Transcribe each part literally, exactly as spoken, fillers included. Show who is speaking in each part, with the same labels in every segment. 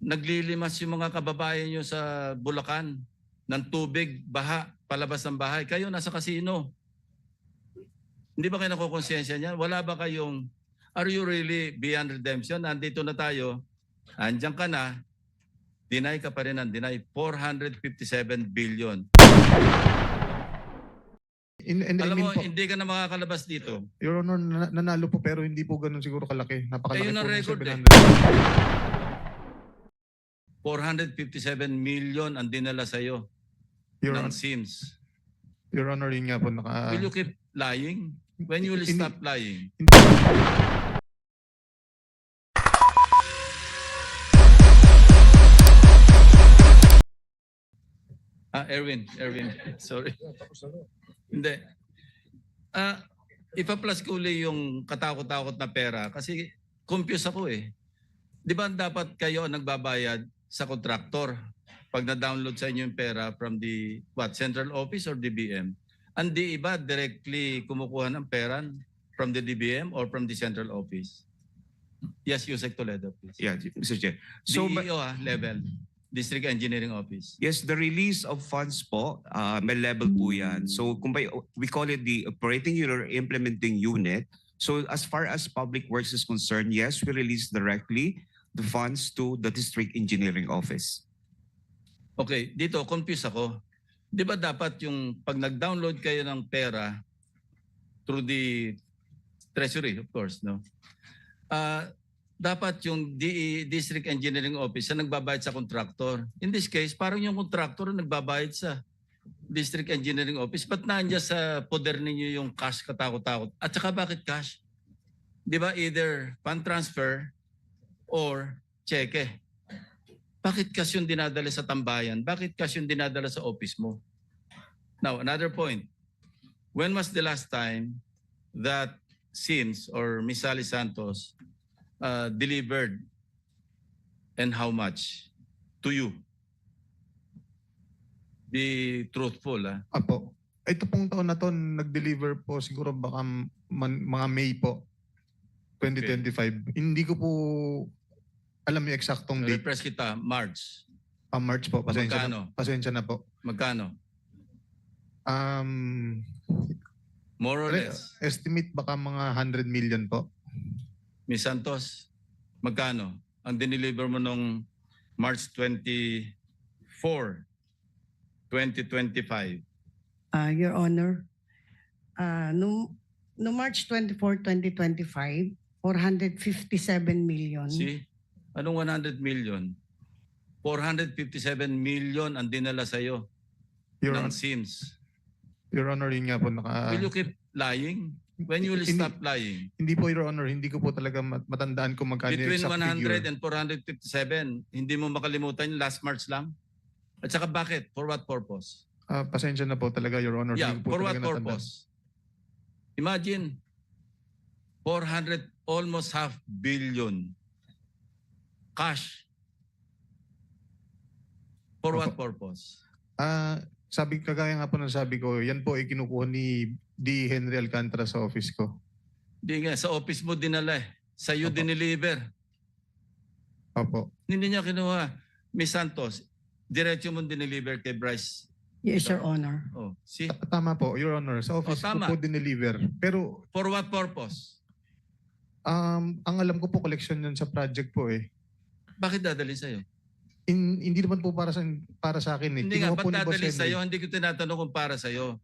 Speaker 1: naglilimas yung mga kababayan nyo sa Bulacan ng tubig, baha, palabas ng bahay. Kayo nasa casino. Hindi ba kayo nakukonsensya niyan? Wala ba kayong, are you really beyond redemption? Nandito na tayo, andyan ka na, deny ka pa rin ng deny, four hundred fifty-seven billion.
Speaker 2: In, in,
Speaker 1: Alam
Speaker 2: I mean
Speaker 1: mo,
Speaker 2: po,
Speaker 1: hindi ka na makakalabas dito.
Speaker 2: Your Honor, na- nanalo po pero hindi po ganun siguro kalaki. Napakalaki
Speaker 1: Ayun ang
Speaker 2: po ng
Speaker 1: record eh.
Speaker 2: seven hundred.
Speaker 1: four hundred fifty-seven million ang dinala sa'yo
Speaker 2: Your,
Speaker 1: ng
Speaker 2: Hon-
Speaker 1: SIMS.
Speaker 2: Your Honor, yun nga po naka...
Speaker 1: Will you keep lying? When you will
Speaker 2: Hindi-
Speaker 1: stop lying? Ah, Erwin, Erwin, sorry. Hindi. Ah, ipa-plus ko uli yung katakot-takot na pera kasi confused ako eh. Di ba dapat kayo ang nagbabayad sa kontraktor pag na-download sa inyo yung pera from the what central office or D B M? Ang di iba directly kumukuha ng pera from the D B M or from the central office? Yes, Yusek Toledo, please.
Speaker 3: Yeah, Mister Chair. So,
Speaker 1: D
Speaker 3: ma-
Speaker 1: E O ah, level, District Engineering Office.
Speaker 3: yes, the release of funds po, uh, may level po yan. So, kung by, we call it the operating unit or implementing unit. So, as far as public works is concerned, yes, we release directly the funds to the District Engineering Office.
Speaker 1: Okay, dito confused ako. Di ba dapat yung pag nag-download kayo ng pera through the treasury, of course, no? Ah, dapat yung D E, District Engineering Office ang nagbabayad sa contractor. In this case, parang yung contractor ang nagbabayad sa District Engineering Office. Ba't nandiyan sa poder ninyo yung cash katakot-takot? At saka bakit cash? Di ba either fund transfer or cheque? Bakit cash yung dinadala sa tambayan? Bakit cash yung dinadala sa office mo? Now, another point. When was the last time that SIMS or Miss Sally Santos uh, delivered and how much to you? Be truthful. Ah.
Speaker 2: Apo. Ito pong taon na to, nag-deliver po siguro baka man, mga May po, twenty twenty-five. Hindi ko po alam yung eksaktong date.
Speaker 1: Repress kita, March.
Speaker 2: Ah, March po. Pasensya
Speaker 1: Magkano?
Speaker 2: na, pasensya na po.
Speaker 1: Magkano?
Speaker 2: Um,
Speaker 1: More or
Speaker 2: re-
Speaker 1: less.
Speaker 2: estimate baka mga one hundred million po.
Speaker 1: Miss Santos, magkano ang dineliver mo nung March twenty-four, twenty twenty-five?
Speaker 4: Uh, Your Honor, uh, no, no March twenty-fourth, twenty twenty-five, four hundred fifty-seven million.
Speaker 1: See? Anong one hundred million? four hundred fifty-seven million ang dinala sa'yo
Speaker 2: Your,
Speaker 1: ng
Speaker 2: Hon-
Speaker 1: SIMS.
Speaker 2: Your Honor, yun nga po naka...
Speaker 1: Will you keep lying? When you will
Speaker 2: Hindi-
Speaker 1: stop lying?
Speaker 2: Hindi po, Your Honor, hindi ko po talaga mat- matandaan kung magkano yung
Speaker 1: Between
Speaker 2: exact
Speaker 1: one hundred
Speaker 2: figure.
Speaker 1: and four hundred fifty-seven, hindi mo makalimutan yung last March lang? At saka bakit? For what purpose?
Speaker 2: Ah, pasensya na po talaga, Your Honor.
Speaker 1: Yeah,
Speaker 2: Hindi ko po
Speaker 1: for what
Speaker 2: talaga natandaan.
Speaker 1: purpose? Imagine, four hundred, almost half billion cash. For what purpose?
Speaker 2: Ah, sabi kagaya nga po ng sabi ko, yan po ay kinukuha ni D. Henry Alcantara sa office ko.
Speaker 1: Hindi nga, sa office mo dinala eh. Sa iyo
Speaker 2: Opo.
Speaker 1: dineliver.
Speaker 2: Opo.
Speaker 1: Hindi niya kinuha. Miss Santos, diretso mo dineliver kay Bryce.
Speaker 4: Yes, Your Honor.
Speaker 1: Oh, see?
Speaker 2: Ta- Tama po, Your Honor. Sa office
Speaker 1: Oh, tama.
Speaker 2: ko po dineliver. Pero
Speaker 1: For what purpose?
Speaker 2: um, ang alam ko po, collection yun sa project po eh.
Speaker 1: Bakit dadalhin sa'yo?
Speaker 2: In, hindi naman po para sa para sa akin eh.
Speaker 1: Hindi nga,
Speaker 2: Kinuha po
Speaker 1: ba't
Speaker 2: ni Boss
Speaker 1: dadalhin
Speaker 2: Henry.
Speaker 1: sa'yo? Hindi ko tinatanong kung para sa'yo.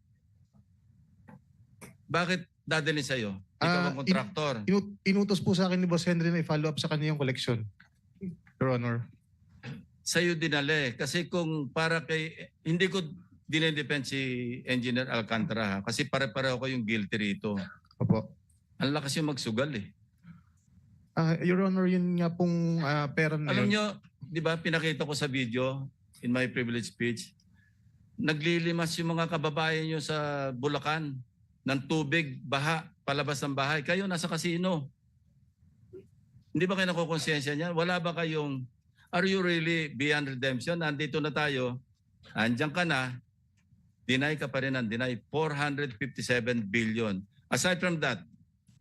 Speaker 1: Bakit dadalhin sa'yo? Ikaw
Speaker 2: Ah,
Speaker 1: ang kontraktor.
Speaker 2: Inu- inutos po sa akin ni Boss Henry na i-follow up sa kanya yung collection. Your Honor.
Speaker 1: Sa'yo dinala eh. Kasi kung para kay... Hindi ko dinedepend si Engineer Alcantara ha? Kasi pare-pareho ko yung guilty rito.
Speaker 2: Opo.
Speaker 1: Ang lakas yung magsugal eh.
Speaker 2: Ah, Your Honor, yun nga pong ah, pera na
Speaker 1: Alam
Speaker 2: yun.
Speaker 1: nyo, di ba pinakita ko sa video in my privilege speech, naglilimas yung mga kababayan nyo sa Bulacan ng tubig, baha, palabas ng bahay. Kayo nasa casino. Hindi ba kayo nakukonsensya niyan? Wala ba kayong, are you really beyond redemption? Nandito na tayo, andyan ka na, deny ka pa rin ng deny, four hundred fifty-seven billion. Aside from that,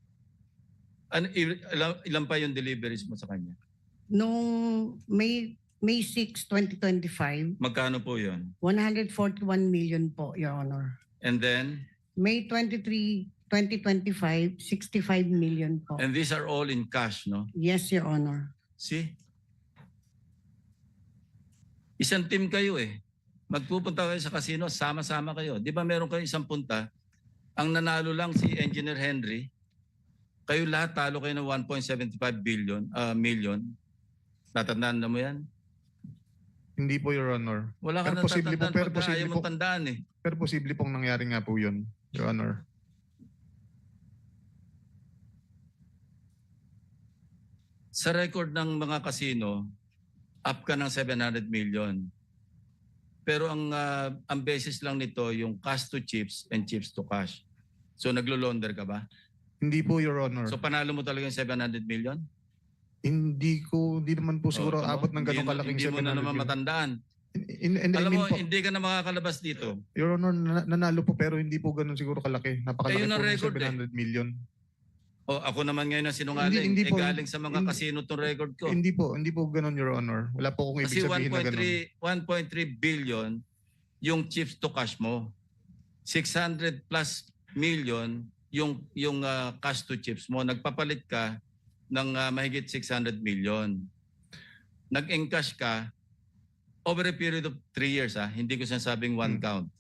Speaker 1: an, ilan, ilan pa yung deliveries mo sa kanya?
Speaker 4: Noong May May sixth, twenty twenty-five,
Speaker 1: Magkano po yun?
Speaker 4: one hundred forty-one million po, Your Honor.
Speaker 1: And then,
Speaker 4: May twenty-third, twenty twenty-five, sixty-five million po.
Speaker 1: and these are all in cash, no?
Speaker 4: Yes, Your Honor.
Speaker 1: See? Isang team kayo eh. Magpupunta kayo sa casino, sama-sama kayo. Di ba meron kayo isang punta, ang nanalo lang si Engineer Henry, kayo lahat talo kayo ng one point seven five billion, ah, million. Tatandaan na mo yan?
Speaker 2: Hindi po, Your Honor.
Speaker 1: Wala ka
Speaker 2: Pero
Speaker 1: na
Speaker 2: posible po,
Speaker 1: tatandaan
Speaker 2: pero
Speaker 1: pagka
Speaker 2: posible
Speaker 1: ayaw
Speaker 2: po.
Speaker 1: mong tandaan eh.
Speaker 2: Pero posible pong nangyari nga po yun, Your Honor.
Speaker 1: Sa record ng mga casino, up ka ng seven hundred million. Pero ang ah, ang basis lang nito yung cash to chips and chips to cash. So naglo-launder ka ba?
Speaker 2: Hindi po, Your Honor.
Speaker 1: So panalo mo talaga yung seven hundred million?
Speaker 2: hindi ko, hindi naman po siguro
Speaker 1: Oh, tama.
Speaker 2: abot ng ganong
Speaker 1: Hindi-
Speaker 2: kalaking
Speaker 1: Hindi mo na
Speaker 2: seven hundred
Speaker 1: naman
Speaker 2: million.
Speaker 1: matandaan.
Speaker 2: In, in,
Speaker 1: Alam
Speaker 2: I mean
Speaker 1: mo,
Speaker 2: po,
Speaker 1: hindi ka na makakalabas dito.
Speaker 2: Your Honor, na- nanalo po pero hindi po ganun siguro kalaki. Napakalaki
Speaker 1: Eh, yun ang
Speaker 2: po ng
Speaker 1: record
Speaker 2: seven hundred million.
Speaker 1: O ako naman ngayon ang sinungaling.
Speaker 2: Hindi- hindi
Speaker 1: eh,
Speaker 2: po.
Speaker 1: galing sa mga
Speaker 2: Hindi-
Speaker 1: casino tong record ko.
Speaker 2: Hindi po, hindi po ganun, Your Honor. Wala po akong ibig
Speaker 1: Kasi
Speaker 2: sabihin na ganun.
Speaker 1: one point three billion yung chips to cash mo. six hundred plus million yung yung ah, cash to chips mo. Nagpapalit ka ng ah, mahigit six hundred million. Nag-encash ka over a period of three years. Ah. Hindi ko sinasabing one
Speaker 2: Hmm.
Speaker 1: count.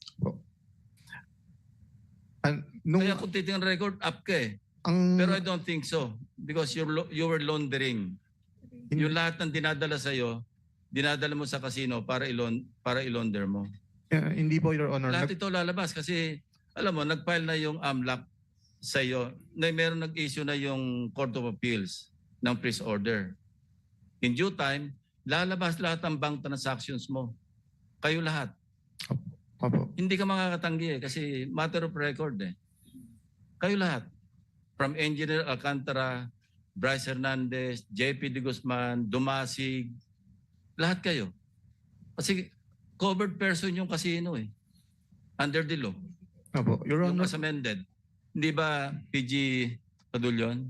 Speaker 2: An, nung,
Speaker 1: Kaya kung titingnan record, up ka eh.
Speaker 2: ang,
Speaker 1: Pero I don't think so. Because you're, lo- you were laundering.
Speaker 2: Hindi-
Speaker 1: Yung lahat ng dinadala sa'yo, dinadala mo sa casino para ilon para ilonder mo.
Speaker 2: uh, hindi po, Your Honor.
Speaker 1: Lahat
Speaker 2: Nag-
Speaker 1: ito lalabas kasi alam mo, nag-file na yung AMLAC sa iyo. Na meron nag-issue na yung Court of Appeals ng freeze order. In due time, lalabas lahat ang bank transactions mo. Kayo lahat.
Speaker 2: Opo.
Speaker 1: Hindi ka makakatanggi eh, kasi matter of record eh. Kayo lahat. From Engineer Alcantara, Bryce Hernandez, J P De Guzman, Dumasig, lahat kayo. Kasi covered person yung casino eh. Under the law.
Speaker 2: Opo. Your
Speaker 1: Yung
Speaker 2: Honor,
Speaker 1: as amended. Hindi ba P G Padulyon?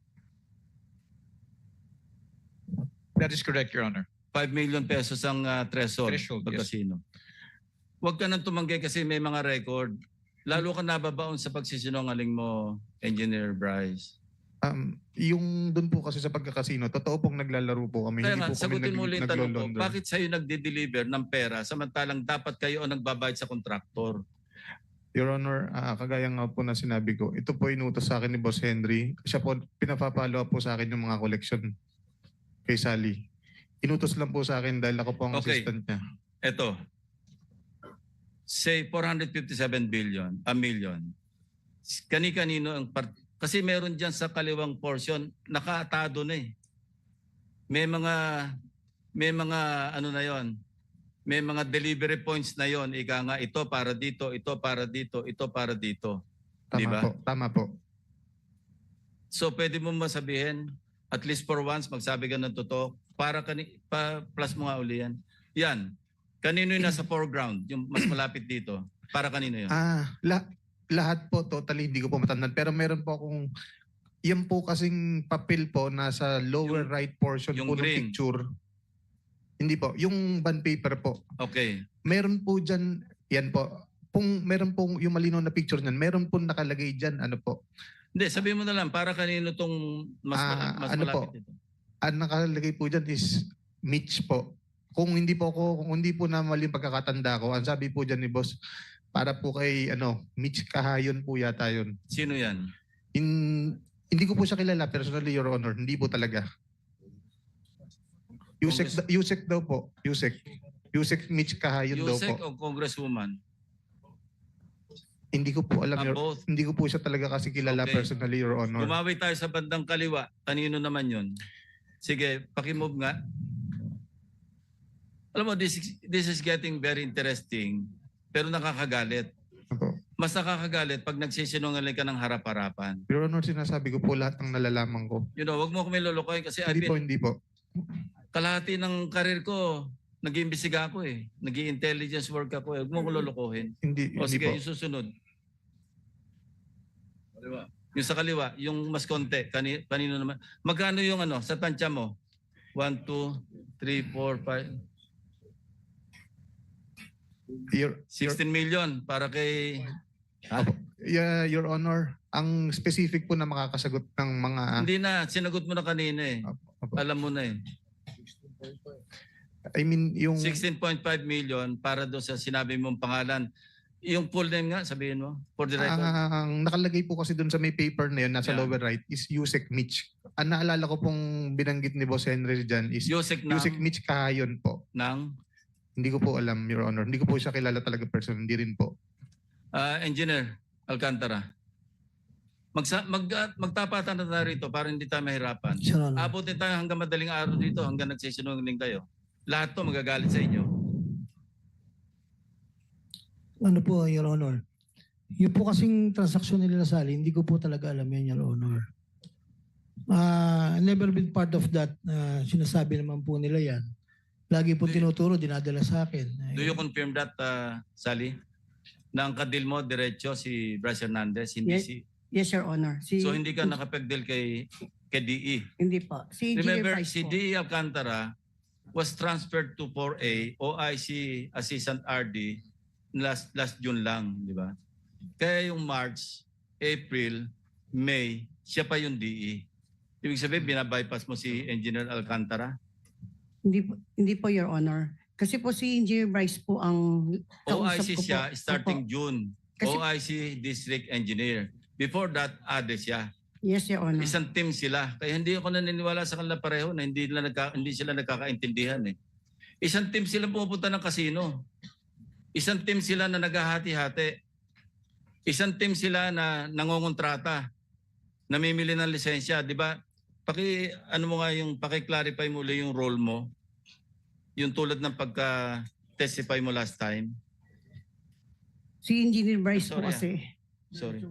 Speaker 5: That is correct, Your Honor.
Speaker 1: five million pesos ang uh, threshold,
Speaker 5: Threshold,
Speaker 1: pag
Speaker 5: yes.
Speaker 1: casino. Huwag ka nang tumanggi kasi may mga record. Lalo ka nababaon sa pagsisinungaling mo, Engineer Bryce.
Speaker 2: um, yung doon po kasi sa pagkakasino, totoo pong naglalaro po kami.
Speaker 1: Kaya
Speaker 2: hindi
Speaker 1: nga,
Speaker 2: po kami
Speaker 1: sagutin
Speaker 2: nag,
Speaker 1: mo ulit yung tanong ko,
Speaker 2: naglo-launder.
Speaker 1: bakit sa'yo nagde-deliver ng pera samantalang dapat kayo ang nagbabayad sa kontraktor?
Speaker 2: Your Honor, ah, kagaya nga po na sinabi ko, ito po inutos sa akin ni Boss Henry. Siya po, pinapapalo po sa akin yung mga collection kay Sally. Inutos lang po sa akin dahil ako po ang
Speaker 1: Okay.
Speaker 2: assistant niya.
Speaker 1: Eto, say four hundred fifty-seven billion, a million. Kani-kanino ang part... Kasi meron dyan sa kaliwang portion, nakaatado na eh. May mga, may mga ano na yon, may mga delivery points na yon. Ika nga, ito para dito, ito para dito, ito para dito.
Speaker 2: Tama
Speaker 1: Di ba?
Speaker 2: po, tama po.
Speaker 1: So pwede mo masabihin, at least for once, magsabi ka ng totoo, para kani, pa, plus mo nga uli yan. Yan. Kanino yung nasa foreground, yung mas malapit dito? Para kanino yun?
Speaker 2: Ah, la- lahat po totally hindi ko po matandaan pero meron po akong yan po kasing papel po nasa lower
Speaker 1: Yung-
Speaker 2: right portion
Speaker 1: yung
Speaker 2: po ng
Speaker 1: green.
Speaker 2: picture. Hindi po, yung bond paper po.
Speaker 1: Okay.
Speaker 2: Meron po diyan, yan po. Kung meron pong yung malinaw na picture niyan, meron po nakalagay diyan ano po.
Speaker 1: Hindi, sabihin mo na lang, para kanino tong mas, mala-
Speaker 2: Ah,
Speaker 1: mas
Speaker 2: ano
Speaker 1: malapit
Speaker 2: po?
Speaker 1: dito?
Speaker 2: Ang nakalagay po diyan is Mitch po. Kung hindi po ako, kung hindi po na mali yung pagkakatanda ko, ang sabi po diyan ni boss, para po kay ano, Mitch Kahayon po yata yun.
Speaker 1: Sino yan?
Speaker 2: In, hindi ko po siya kilala personally, Your Honor. Hindi po talaga. Yusek,
Speaker 1: Congress-
Speaker 2: Yusek daw po. Yusek. Yusek Mitch Kahayon daw
Speaker 1: Yusek
Speaker 2: po.
Speaker 1: o Congresswoman?
Speaker 2: Hindi ko po alam.
Speaker 1: Ah,
Speaker 2: Your,
Speaker 1: both.
Speaker 2: hindi ko po siya talaga kasi kilala
Speaker 1: Okay.
Speaker 2: personally, Your Honor.
Speaker 1: Gumawi tayo sa bandang kaliwa. Kanino naman yun? Sige, pakimove nga. Alam mo, this, is- this is getting very interesting, pero nakakagalit.
Speaker 2: Opo.
Speaker 1: Mas nakakagalit pag nagsisinungaling ka ng harap-harapan.
Speaker 2: Your Honor, sinasabi ko po lahat ng nalalaman ko.
Speaker 1: You know, wag mo kami lulukoy kasi I've
Speaker 2: Hindi po,
Speaker 1: been,
Speaker 2: hindi po.
Speaker 1: kalahati ng karir ko, nag-iimbestiga ako eh. Nag-i-intelligence work ako eh. Huwag mo ko lulukohin.
Speaker 2: Hindi,
Speaker 1: O
Speaker 2: hindi
Speaker 1: sige,
Speaker 2: po.
Speaker 1: yung susunod. Yung sa kaliwa, yung mas konti. Kani, kanino naman? Magkano yung ano, sa tansya mo? One, two, three, four, five,
Speaker 2: Your, your,
Speaker 1: sixteen million para kay... Ha?
Speaker 2: yeah, Your Honor, ang specific po na makakasagot ng mga...
Speaker 1: Hindi na, sinagot mo na kanina eh.
Speaker 2: Opo.
Speaker 1: Alam mo na eh.
Speaker 2: I mean, yung...
Speaker 1: sixteen point five million para doon sa sinabi mong pangalan. Yung full name nga, sabihin mo, for the record.
Speaker 2: Ang nakalagay po kasi doon sa may paper na yun, nasa
Speaker 1: Yeah.
Speaker 2: lower right, is Yusek Mitch. Ang naalala ko pong binanggit ni Boss Henry dyan is
Speaker 1: Yusek ng,
Speaker 2: Yusek Mitch Kahayon po.
Speaker 1: ng
Speaker 2: Hindi ko po alam, Your Honor. Hindi ko po siya kilala talaga person. Hindi rin po.
Speaker 1: ah, Engineer Alcantara. Magsa, mag, ah, magtapatan na tayo rito para hindi tayo mahirapan.
Speaker 6: Your Honor.
Speaker 1: Abutin tayo hanggang madaling araw dito, hanggang nagsisinungaling kayo. Lahat to magagalit sa inyo.
Speaker 6: Ano po, Your Honor? Yung po kasing transaksyon nila Sally, hindi ko po talaga alam yan, Your Honor. Uh, never been part of that. Uh, sinasabi naman po nila yan. Lagi po
Speaker 1: Do you-
Speaker 6: tinuturo, dinadala sa akin.
Speaker 1: Do you confirm that, uh, Sally? Na ang kadil mo, diretso si Bryce Hernandez, hindi
Speaker 4: Yes.
Speaker 1: si...
Speaker 4: Yes, Your Honor. Si,
Speaker 1: So hindi ka nakapagdil kay, kay D E.
Speaker 4: Hindi po. Si Engineer
Speaker 1: Remember,
Speaker 4: Bryce
Speaker 1: si
Speaker 4: po.
Speaker 1: D E Alcantara was transferred to four A, O I C Assistant R D, last last June lang, di ba? Kaya yung March, April, May, siya pa yung D E. Ibig sabihin, binabypass mo si Engineer Alcantara?
Speaker 4: Hindi po, hindi po, Your Honor. Kasi po si Engineer Bryce po ang
Speaker 1: O I
Speaker 4: kausap
Speaker 1: C
Speaker 4: ko po.
Speaker 1: siya starting
Speaker 4: Opo.
Speaker 1: June.
Speaker 4: Kasi-
Speaker 1: O I C District Engineer. Before that, A D E siya.
Speaker 4: Yes, Your Honor.
Speaker 1: Isang team sila. Kaya hindi ako naniniwala sa kanila pareho na hindi, nila nagka, hindi sila nagkakaintindihan eh. Isang team sila pupunta ng kasino. Isang team sila na naghahati-hati. Isang team sila na nangongontrata. Namimili ng lisensya. Di ba? Paki, ano mo nga yung, paki-clarify mo ulit yung role mo. Yung tulad ng pagka-testify mo last time.
Speaker 4: Si Engineer Bryce po
Speaker 1: Sorry, ah.
Speaker 4: kasi,
Speaker 1: Sorry.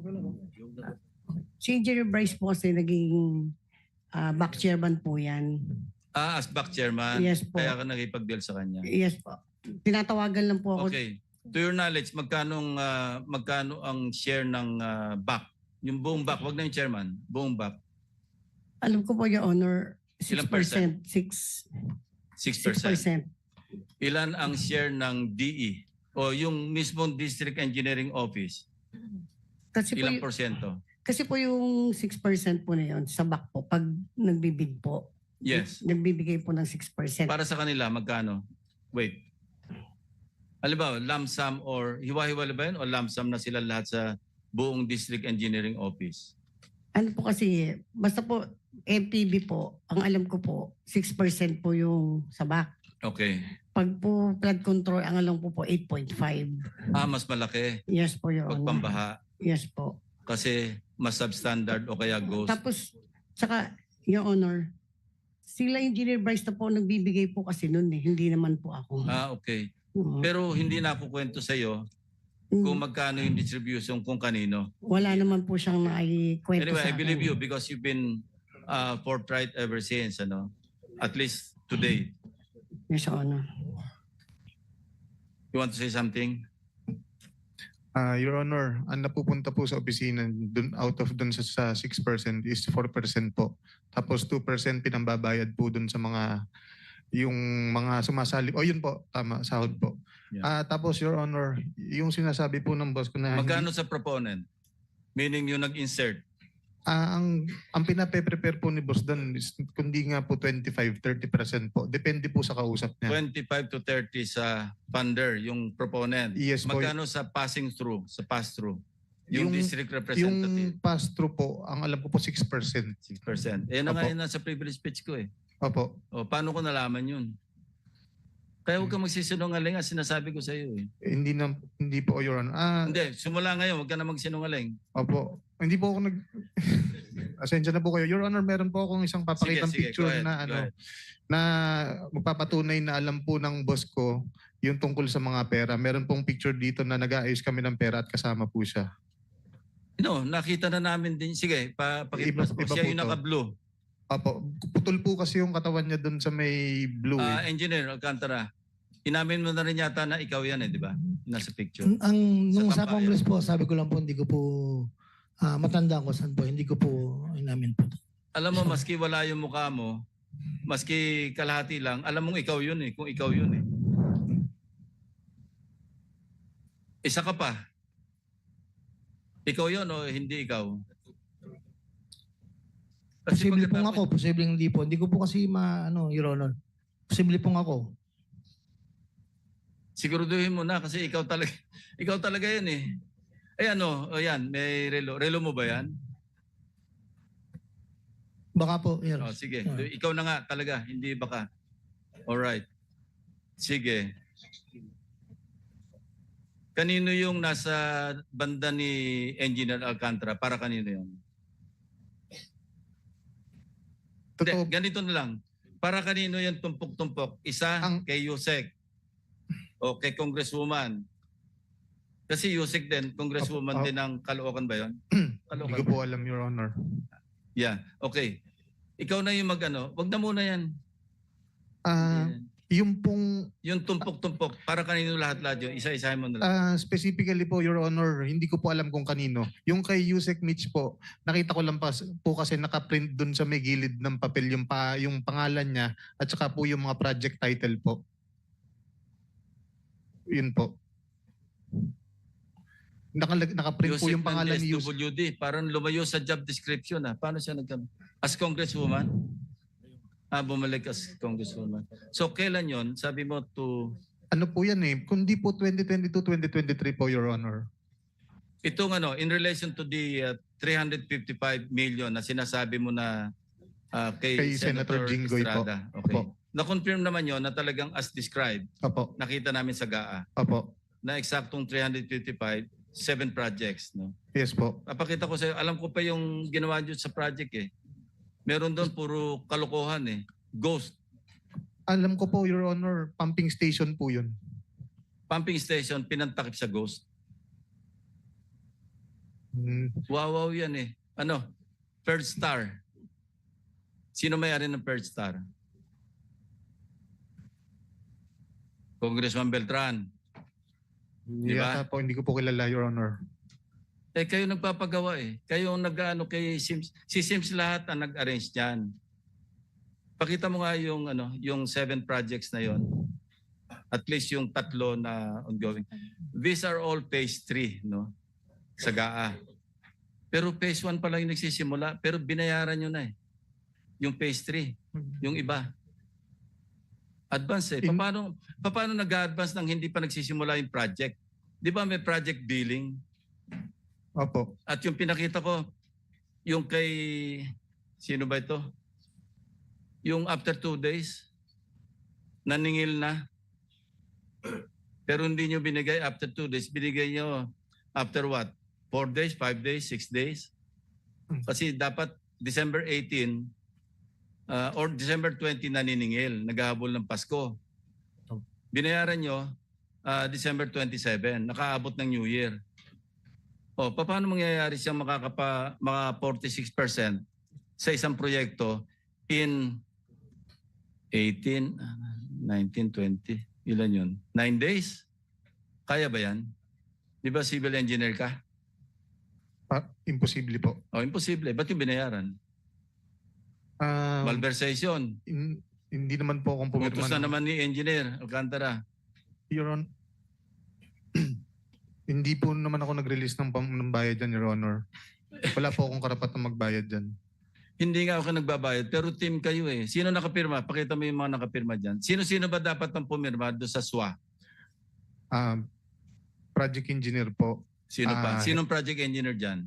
Speaker 4: si Engineer Bryce po kasi naging ah, back chairman po yan.
Speaker 1: Ah, as back chairman.
Speaker 4: Yes po.
Speaker 1: Kaya ka nakipag-deal sa kanya.
Speaker 4: Yes po. Tinatawagan lang po ako.
Speaker 1: Okay. To your knowledge, magkano uh, magkano ang share ng uh, B A C? Yung buong B A C, wag na yung chairman, buong B A C.
Speaker 4: Alam ko po, Your Honor, six
Speaker 1: Ilang
Speaker 4: percent. six
Speaker 1: six
Speaker 4: six
Speaker 1: percent.
Speaker 4: percent.
Speaker 1: Ilan ang share ng D E o yung mismong District Engineering Office?
Speaker 4: Kasi po,
Speaker 1: Ilang
Speaker 4: y-
Speaker 1: porsyento?
Speaker 4: kasi po yung six percent po na yun sa back po, pag nagbibid po,
Speaker 1: Yes.
Speaker 4: nagbibigay po ng six percent.
Speaker 1: Para sa kanila, magkano? Wait. Halimbawa, lump sum or hiwa-hiwala ba yun o lump sum na sila lahat sa buong District Engineering Office?
Speaker 4: Ano po kasi, basta po, M P B po, ang alam ko po, six percent po yung sa back.
Speaker 1: Okay.
Speaker 4: Pag po flood control, ang alam ko po, eight point five.
Speaker 1: Ah, mas malaki
Speaker 4: Yes po, Your
Speaker 1: pag
Speaker 4: Honor.
Speaker 1: pambaha
Speaker 4: Yes po.
Speaker 1: kasi mas substandard o kaya ghost.
Speaker 4: Tapos, saka, Your Honor, sila Engineer Bryce na po nagbibigay po kasi noon eh. Hindi naman po ako.
Speaker 1: Ah, okay.
Speaker 4: Oo.
Speaker 1: Pero hindi na ako kwento sa iyo
Speaker 4: Mm,
Speaker 1: kung magkano yung distribution kung kanino.
Speaker 4: Wala naman po siyang naikwento
Speaker 1: Anyway,
Speaker 4: sa
Speaker 1: I believe
Speaker 4: akin.
Speaker 1: you because you've been uh, forthright ever since, ano? At least today.
Speaker 4: Yes, Your Honor.
Speaker 1: You want to say something?
Speaker 2: Ah, Your Honor, ang napupunta po sa opisina dun, out of dun sa, sa six percent is four percent po. Tapos two percent pinambabayad po dun sa mga yung mga sumasali. O yun po, tama, sahod po.
Speaker 1: Yeah.
Speaker 2: Ah, tapos Your Honor, yung sinasabi po ng boss ko na hindi-
Speaker 1: Magkano sa proponent? Meaning yung nag-insert.
Speaker 2: Ah, ang ang pinape-prepare po ni boss doon is kundi nga po twenty-five to thirty percent po. Depende po sa kausap niya.
Speaker 1: twenty-five to thirty sa funder, yung proponent.
Speaker 2: Yes po.
Speaker 1: Magkano sa passing through, sa pass-through? Yung,
Speaker 2: Yung-
Speaker 1: district
Speaker 2: Yung
Speaker 1: representative,
Speaker 2: pass-through po, ang alam ko po six percent.
Speaker 1: six percent. Eh, na nga
Speaker 2: Opo.
Speaker 1: yun nasa privilege speech ko eh.
Speaker 2: Opo.
Speaker 1: O, paano ko nalaman yun? Kaya huwag ka magsisinungaling, ang sinasabi ko sa iyo eh.
Speaker 2: Eh, hindi na hindi po Your Honor. Ah,
Speaker 1: Hindi, simula ngayon, huwag ka na magsinungaling.
Speaker 2: opo. Hindi po ako nag Asensya na po kayo. Your Honor, meron po akong isang papakitang
Speaker 1: Sige, sige,
Speaker 2: picture
Speaker 1: go ahead,
Speaker 2: na
Speaker 1: go
Speaker 2: ano
Speaker 1: ahead.
Speaker 2: na magpapatunay na alam po ng boss ko yung tungkol sa mga pera. Meron pong picture dito na nag-aayos kami ng pera at kasama po siya.
Speaker 1: No, nakita na namin din. Sige, pa, pakiplas po.
Speaker 2: Iba- iba
Speaker 1: Siya
Speaker 2: po
Speaker 1: yung
Speaker 2: to.
Speaker 1: naka-blue.
Speaker 2: Opo, putol po kasi yung katawan niya doon sa may blue.
Speaker 1: Ah,
Speaker 2: eh.
Speaker 1: Engineer Alcantara, inamin mo na rin yata na ikaw yan eh, di ba? Nasa picture.
Speaker 6: Ang, ang nung
Speaker 1: Sa
Speaker 6: sa
Speaker 1: tambayan.
Speaker 6: Congress po, sabi ko lang po, hindi ko po ah, matanda ko saan po, hindi ko po inamin po.
Speaker 1: Alam mo, maski wala yung mukha mo, maski kalahati lang, alam mong ikaw yun eh, kung ikaw yun eh. Isa ka pa. Ikaw yun o hindi ikaw? Kasi
Speaker 6: Posible pong
Speaker 1: pagkatapos-
Speaker 6: ako, posible hindi po. Hindi ko po kasi ma, ano, Your Honor. Posible pong ako.
Speaker 1: Siguraduhin mo na kasi ikaw talaga, ikaw talaga yan eh. Ay ano, o yan, may relo. Relo mo ba yan?
Speaker 6: Baka po, Your
Speaker 1: Oh, sige,
Speaker 6: Ah.
Speaker 1: ikaw na nga talaga, hindi baka. Alright. Sige. Kanino yung nasa banda ni Engineer Alcantara? Para kanino yun? Hindi,
Speaker 2: Totoo,
Speaker 1: ganito na lang. Para kanino yung tumpok-tumpok? Isa
Speaker 2: Ang-
Speaker 1: kay Yusek o kay Congresswoman. Kasi Yusek din, Congresswoman
Speaker 2: Apo,
Speaker 1: din ng Caloocan ba yun?
Speaker 2: hindi
Speaker 1: Caloocan
Speaker 2: ko
Speaker 1: ba?
Speaker 2: po alam, Your Honor.
Speaker 1: Yeah, okay. Ikaw na yung mag-ano. Wag na muna yan.
Speaker 2: Ah, yung pong
Speaker 1: Yung tumpok-tumpok, para kanino lahat-lahat yun? Isa-isahin mo na lang.
Speaker 2: ah, specifically po, Your Honor, hindi ko po alam kung kanino. Yung kay Yusek Mitch po, nakita ko lang pa, po kasi nakaprint dun sa may gilid ng papel yung, pa, yung pangalan niya at saka po yung mga project title po. Yun po. Nakalag, nakaprint po
Speaker 1: Yusek
Speaker 2: yung pangalan ni
Speaker 1: ng
Speaker 2: Yusek.
Speaker 1: S W D, parang lumayo sa job description. Ah. Paano siya nag As Congresswoman? Ah, bumalik as Congresswoman. So, kailan yon? Sabi mo to...
Speaker 2: Ano po yan eh, kundi po twenty twenty-two twenty twenty-three po, Your Honor.
Speaker 1: Itong ano, in relation to the uh, three hundred fifty-five million na sinasabi mo na uh, kay,
Speaker 2: Kay Senator Jinggoy po.
Speaker 1: Estrada. Okay.
Speaker 2: Opo.
Speaker 1: Na-confirm naman yon na talagang as described,
Speaker 2: Opo,
Speaker 1: nakita namin sa G A A,
Speaker 2: opo.
Speaker 1: na eksaktong three hundred fifty-five, seven projects. No?
Speaker 2: Yes po.
Speaker 1: Papakita ko sa'yo, alam ko pa yung ginawa nyo sa project eh. Meron doon puro kalokohan eh. Ghost.
Speaker 2: Alam ko po, Your Honor, pumping station po yun.
Speaker 1: Pumping station, pinantakip sa ghost.
Speaker 2: Hmm.
Speaker 1: Wow, wow yan eh. Ano? Third Star. Sino may-ari ng Third Star? Congressman Beltran. Di ba?
Speaker 2: Yata po, hindi ko po kilala, Your Honor.
Speaker 1: Eh kayo nagpapagawa eh. Kayo ang nag-ano kay Sims. Si Sims lahat ang nag-arrange diyan. Pakita mo nga yung ano, yung seven projects na yon. At least yung tatlo na ongoing. These are all phase three, no? Sa G A A. Pero phase one pa lang yung nagsisimula, pero binayaran nyo na eh. Yung phase three, yung iba. Advance eh.
Speaker 2: In-
Speaker 1: Paano, paano nag-advance nang hindi pa nagsisimula yung project? Di ba may project billing?
Speaker 2: Opo.
Speaker 1: At yung pinakita ko, yung kay, sino ba ito? Yung after two days, naningil na. Pero hindi nyo binigay after two days. Binigay nyo after what? Four days, five days, six days? Kasi dapat December eighteen uh, or December twenty naniningil, naghahabol ng Pasko. Binayaran nyo uh, December twenty-seven, nakaabot ng New Year. O, paano mangyayari siyang makakapa, mga forty-six percent sa isang proyekto in eighteen, nineteen, twenty, ilan yun? Nine days? Kaya ba yan? Di ba civil engineer ka?
Speaker 2: Pa, imposible po.
Speaker 1: O, imposible. Ba't yung binayaran?
Speaker 2: Ah,
Speaker 1: Malversation.
Speaker 2: in- hindi naman po akong pumirma.
Speaker 1: Utos na
Speaker 2: ng-
Speaker 1: naman ni engineer Alcantara.
Speaker 2: Your Honor. Hindi po naman ako nag-release ng, pam- ng bayad dyan, Your Honor. Wala po akong karapatang magbayad dyan.
Speaker 1: Hindi nga ako nagbabayad, pero team kayo eh. Sino nakapirma? Pakita mo yung mga nakapirma dyan. Sino-sino ba dapat ang pumirma doon sa S W A?
Speaker 2: Ah, project engineer po.
Speaker 1: Sino pa?
Speaker 2: Ah,
Speaker 1: Sinong project engineer dyan?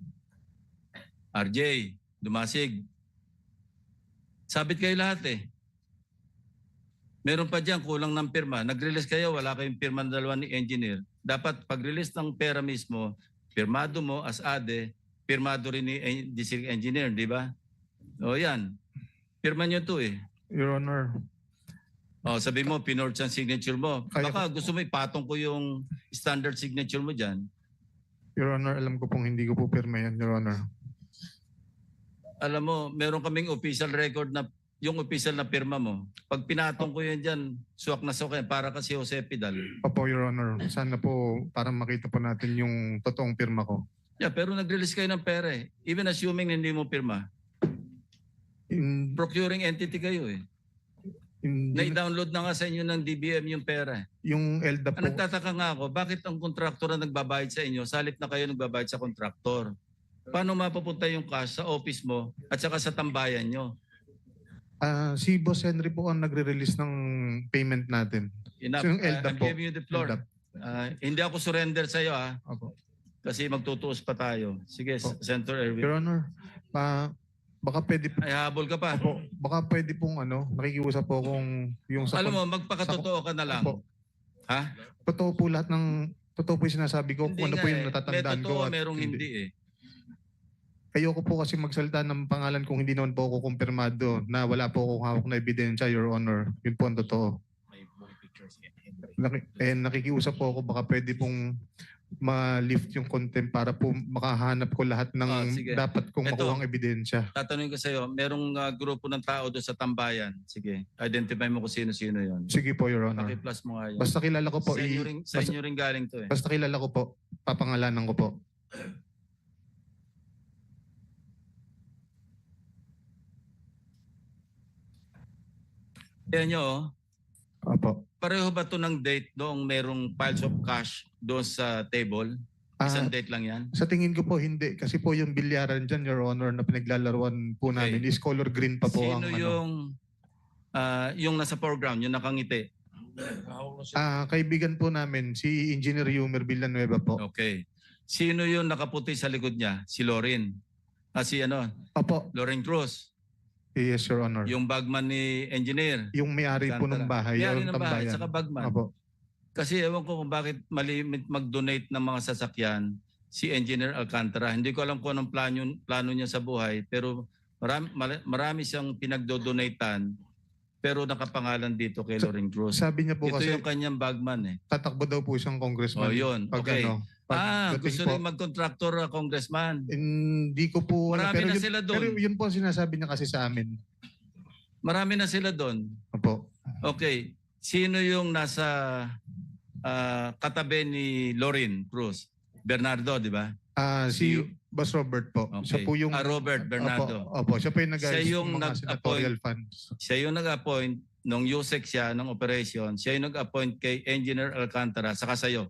Speaker 1: R J, Dumasig. Sabit kayo lahat eh. Meron pa dyan, kulang ng pirma. Nag-release kayo, wala kayong pirma ng dalawa ni engineer. Dapat pag-release ng pera mismo, pirmado mo as ade, pirmado rin ni en- district engineer, di ba? O yan. Pirma nyo to eh.
Speaker 2: Your Honor.
Speaker 1: O sabi mo, pinorge ang signature mo.
Speaker 2: Kaya
Speaker 1: Baka gusto mo ipatong ko yung standard signature mo dyan.
Speaker 2: Your Honor, alam ko pong hindi ko po pirma yan, Your Honor.
Speaker 1: Alam mo, meron kaming official record na yung official na pirma mo. Pag pinatong ko yan dyan, suwak na suwak yan, para kasi Jose Pidal.
Speaker 2: Opo, Your Honor. Sana po para makita po natin yung totoong pirma ko.
Speaker 1: Yeah, pero nag-release kayo ng pera eh. Even assuming hindi mo pirma.
Speaker 2: In,
Speaker 1: Procuring entity kayo eh.
Speaker 2: in,
Speaker 1: Na-download na nga sa inyo ng D B M yung pera.
Speaker 2: yung L D A
Speaker 1: Ang
Speaker 2: po,
Speaker 1: nagtataka nga ako, bakit ang kontraktor ang nagbabayad sa inyo, salit na kayo nagbabayad sa kontraktor? Paano mapapunta yung cash sa office mo at saka sa tambayan nyo?
Speaker 2: ah, si Boss Henry po ang nagre-release ng payment natin.
Speaker 1: Enough.
Speaker 2: So yung
Speaker 1: Uh,
Speaker 2: L D A
Speaker 1: I'm
Speaker 2: po.
Speaker 1: giving you the floor.
Speaker 2: L D A.
Speaker 1: Uh, hindi ako surrender sa iyo ah,
Speaker 2: Opo.
Speaker 1: kasi magtutuos pa tayo. Sige,
Speaker 2: Opo.
Speaker 1: Senator Erwin.
Speaker 2: Your Honor, pa, baka pwede po,
Speaker 1: Ay habol ka pa.
Speaker 2: Opo, baka pwede pong ano, nakikiusap po kung yung sa
Speaker 1: Alam mo, magpakatotoo ka na lang.
Speaker 2: Opo.
Speaker 1: Ha?
Speaker 2: Totoo po lahat ng totoo po yung sinasabi ko
Speaker 1: Hindi
Speaker 2: kung ano
Speaker 1: nga
Speaker 2: po yung
Speaker 1: eh.
Speaker 2: natatandaan
Speaker 1: May
Speaker 2: ko.
Speaker 1: totoo,
Speaker 2: at
Speaker 1: merong hindi eh.
Speaker 2: Ayoko po kasi magsalita ng pangalan kung hindi naman po ako kumpirmado na wala po akong hawak na ebidensya, Your Honor. Yun po ang totoo. Naki, eh, nakikiusap po ako baka pwede pong ma-lift yung contempt para po makahanap ko lahat ng
Speaker 1: Ah, sige.
Speaker 2: dapat kong
Speaker 1: Ito.
Speaker 2: makuhang ebidensya.
Speaker 1: Tatanungin ko sa iyo, merong uh, grupo ng tao doon sa tambayan. Sige, identify mo kung sino-sino yon.
Speaker 2: Sige po, Your Honor.
Speaker 1: Paki-plus mo nga yun.
Speaker 2: Basta kilala ko po,
Speaker 1: sa inyo
Speaker 2: i-
Speaker 1: rin, sa
Speaker 2: basta,
Speaker 1: inyo rin galing to eh.
Speaker 2: basta kilala ko po, papangalanan ko po.
Speaker 1: Kaya nyo, oh,
Speaker 2: Opo.
Speaker 1: pareho ba to ng date noong merong piles of cash doon sa table?
Speaker 2: Ah,
Speaker 1: Isang date lang yan?
Speaker 2: sa tingin ko po hindi kasi po yung bilyaran dyan, Your Honor, na pinaglalaruan po
Speaker 1: Okay.
Speaker 2: namin is color green pa po ang
Speaker 1: Sino
Speaker 2: ano.
Speaker 1: yung ah, yung nasa foreground, yung nakangiti?
Speaker 2: Ah, kaibigan po namin si Engineer Yumer Villanueva po.
Speaker 1: Okay. Sino yung nakaputi sa likod niya? Si Lorin. Ah, si ano?
Speaker 2: Opo.
Speaker 1: Lorin Cruz.
Speaker 2: Yes, Your Honor.
Speaker 1: Yung bagman ni engineer.
Speaker 2: Yung may-ari po ng bahay,
Speaker 1: May-ari
Speaker 2: yung
Speaker 1: ng bahay,
Speaker 2: tambayan.
Speaker 1: saka bagman.
Speaker 2: Opo.
Speaker 1: Kasi ewan ko kung bakit malimit mag-donate ng mga sasakyan si Engineer Alcantara. Hindi ko alam kung anong plano, plano niya sa buhay, pero marami, marami siyang pinagdo-donatean, pero nakapangalan dito kay
Speaker 2: Sa-
Speaker 1: Lorin Cruz.
Speaker 2: Sabi niya po
Speaker 1: Ito
Speaker 2: kasi
Speaker 1: yung kanyang bagman eh.
Speaker 2: tatakbo daw po siyang congressman.
Speaker 1: Oh, yun.
Speaker 2: Pag
Speaker 1: Okay.
Speaker 2: ano, pag
Speaker 1: Ah,
Speaker 2: dating
Speaker 1: gusto
Speaker 2: po.
Speaker 1: rin mag-contractor uh, congressman.
Speaker 2: Hindi ko po alam.
Speaker 1: Marami
Speaker 2: pero
Speaker 1: na
Speaker 2: yun,
Speaker 1: sila doon.
Speaker 2: Pero yun po ang sinasabi niya kasi sa amin.
Speaker 1: Marami na sila doon.
Speaker 2: Opo.
Speaker 1: Okay. Sino yung nasa ah, katabi ni Lorin Cruz? Bernardo, di ba?
Speaker 2: Ah, si
Speaker 1: Si-
Speaker 2: Boss Robert po. Siya
Speaker 1: Okay.
Speaker 2: po yung
Speaker 1: Ah, Robert Bernardo.
Speaker 2: Opo, opo, siya po yung nag
Speaker 1: Siya yung
Speaker 2: mga
Speaker 1: nag-appoint.
Speaker 2: senatorial funds.
Speaker 1: Siya yung nag-appoint nung U S E C siya ng operation. Siya yung nag-appoint kay Engineer Alcantara saka sa'yo.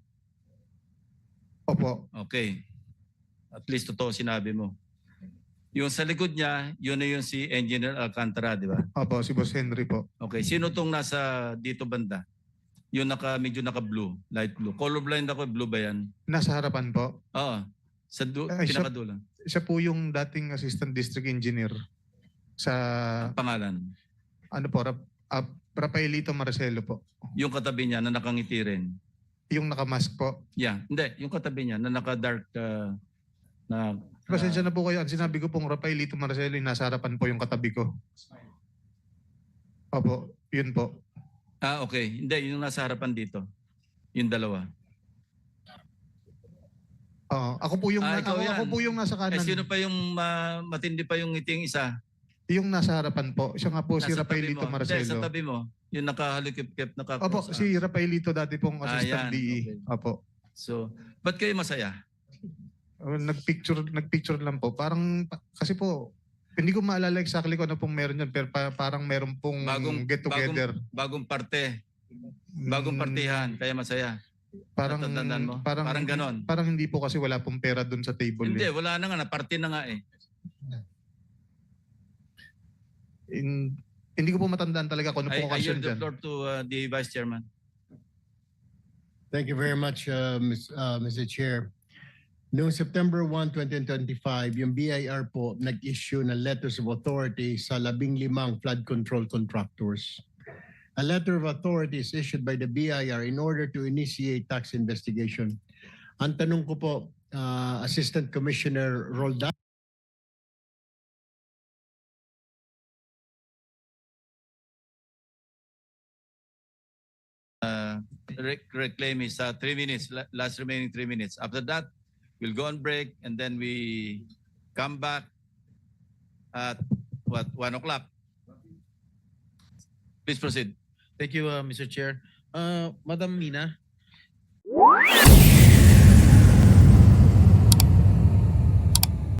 Speaker 2: Opo.
Speaker 1: Okay. At least totoo sinabi mo. Yung sa likod niya, yun na yung si Engineer Alcantara, di ba?
Speaker 2: Opo, si Boss Henry po.
Speaker 1: Okay. Sino tong nasa dito banda? Yung naka, medyo naka-blue, light blue. Colorblind ako, blue ba yan?
Speaker 2: Nasa harapan po.
Speaker 1: Oo. Sa du-
Speaker 2: Ay, siya-
Speaker 1: pinakadulo.
Speaker 2: Siya po yung dating assistant district engineer sa
Speaker 1: Ang pangalan.
Speaker 2: ano po, Rap, uh, Rafaelito Marcelo po.
Speaker 1: Yung katabi niya na nakangiti rin.
Speaker 2: Yung nakamask po.
Speaker 1: Yeah. Hindi. Yung katabi niya na naka-dark uh, na
Speaker 2: Pasensya na po kayo. Ang sinabi ko pong Rafaelito Marcelo, yung nasa harapan po yung katabi ko. Opo, yun po.
Speaker 1: Ah, okay. Hindi, yung nasa harapan dito. Yung dalawa.
Speaker 2: Oo, ako po yung
Speaker 1: Ah,
Speaker 2: na-
Speaker 1: ikaw
Speaker 2: ako,
Speaker 1: yan.
Speaker 2: ako po yung nasa
Speaker 1: Eh,
Speaker 2: kanan.
Speaker 1: sino pa yung ma- matindi pa yung ngiting isa?
Speaker 2: Yung nasa harapan po. Siya nga po si
Speaker 1: Nasa tabi
Speaker 2: Rafaelito
Speaker 1: mo. Hindi, sa
Speaker 2: Marcelo.
Speaker 1: tabi mo. Yung nakahalikip-kip, naka
Speaker 2: Opo, si Rafaelito dati pong
Speaker 1: Ah, yan.
Speaker 2: assistant D E.
Speaker 1: Okay.
Speaker 2: Opo.
Speaker 1: So, ba't kayo masaya?
Speaker 2: Uh, Nagpicture, nagpicture lang po. Parang, pa- kasi po, hindi ko maalala exactly kung ano pong meron yan, pero pa- parang meron pong
Speaker 1: Bagong-
Speaker 2: get together.
Speaker 1: Bagong parte, bagong partihan, kaya masaya.
Speaker 2: Parang,
Speaker 1: Natatandaan mo?
Speaker 2: parang,
Speaker 1: Parang ganon.
Speaker 2: Parang hindi po kasi wala pong pera dun sa table.
Speaker 1: Hindi,
Speaker 2: eh.
Speaker 1: wala na nga, naparte na nga eh.
Speaker 2: In- hindi ko po matandaan talaga kung ano
Speaker 1: I,
Speaker 2: po
Speaker 1: I
Speaker 2: occasion
Speaker 1: yield the
Speaker 2: dyan.
Speaker 1: floor to uh, the Vice Chairman.
Speaker 7: Thank you very much, uh, Miz- uh, Mister Chair. Noong September first, twenty twenty-five, yung B I R po nag-issue ng letters of authority sa labing limang flood control contractors. A letter of authority is issued by the B I R in order to initiate tax investigation. Ang tanong ko po, uh, Assistant Commissioner Roldan,
Speaker 1: Re- reclaim his uh, three minutes, la- last remaining three minutes. After that, we'll go on break and then we come back at what, one o'clock. Please proceed.
Speaker 8: Thank you, uh, Mister Chair. Uh, Madam Mina.